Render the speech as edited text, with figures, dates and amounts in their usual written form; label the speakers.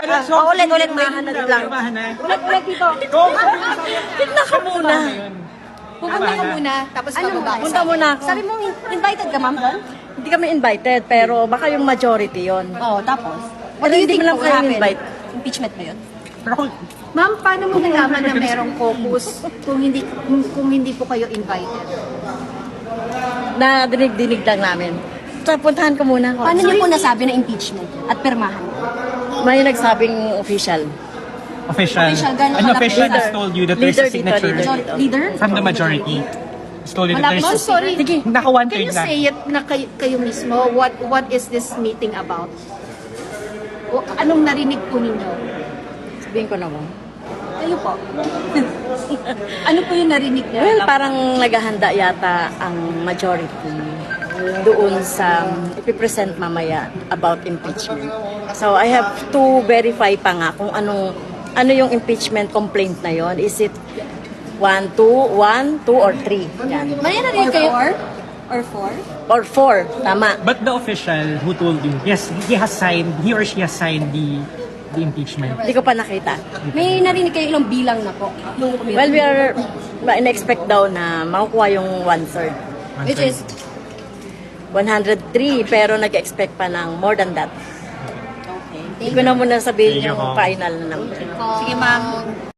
Speaker 1: Ulit, mahanap lang.
Speaker 2: Ulit dito.
Speaker 1: Tignan ka muna.
Speaker 2: Pupunta ka muna, tapos bababa.
Speaker 1: Punta muna ako.
Speaker 2: Sabi mo, invited ka, ma'am, doon?
Speaker 1: Hindi kami invited, pero baka yung majority yon.
Speaker 2: Oo, tapos?
Speaker 1: Pero hindi mo lang
Speaker 2: will
Speaker 1: kayo
Speaker 2: happen?
Speaker 1: invite.
Speaker 2: Impeachment ba yun?
Speaker 3: Ma'am, paano mo nalaman na merong caucus kung hindi po kayo invited?
Speaker 1: Na dinig-dinig lang namin. So, puntahan ko muna ako.
Speaker 2: Paano niyo po nasabi na impeachment at pirmahan?
Speaker 1: May nagsabing official.
Speaker 4: Official.
Speaker 2: Gano'n
Speaker 4: An official
Speaker 1: Leader.
Speaker 4: has told you that there's
Speaker 1: Leader
Speaker 4: a signature
Speaker 1: dito.
Speaker 2: Leader?
Speaker 4: from the majority. Has told you that
Speaker 3: Ma'am,
Speaker 4: there's
Speaker 3: sorry.
Speaker 1: Sige.
Speaker 4: naka one
Speaker 3: Can you
Speaker 4: third na.
Speaker 3: say it na kayo mismo? What is this meeting about? Anong narinig po ninyo?
Speaker 1: Sabihin ko naman.
Speaker 3: Kayo po. Ano po yung narinig niyo?
Speaker 1: Well, parang naghahanda yata ang majority doon sa ipipresent mamaya about impeachment. So I have to verify pa nga kung ano yung impeachment complaint na yon. Is it 1, 2, or 3? Yan.
Speaker 2: May narinig kayo? Or four?
Speaker 1: Or 4, tama.
Speaker 4: But the official who told you, yes, he or she has signed the impeachment.
Speaker 1: Hindi ko pa nakita.
Speaker 2: May narinig kayo ilang bilang na po? Nung
Speaker 1: Well, we are in-expect daw na makukuha yung 1/3.
Speaker 2: Which is,
Speaker 1: 103, pero nag-expect pa ng more than that.
Speaker 2: okay.
Speaker 1: Hindi ko na muna sabihin
Speaker 4: Thank you,
Speaker 1: yung
Speaker 4: Ma'am.
Speaker 1: final na number.
Speaker 2: Sige, ma'am.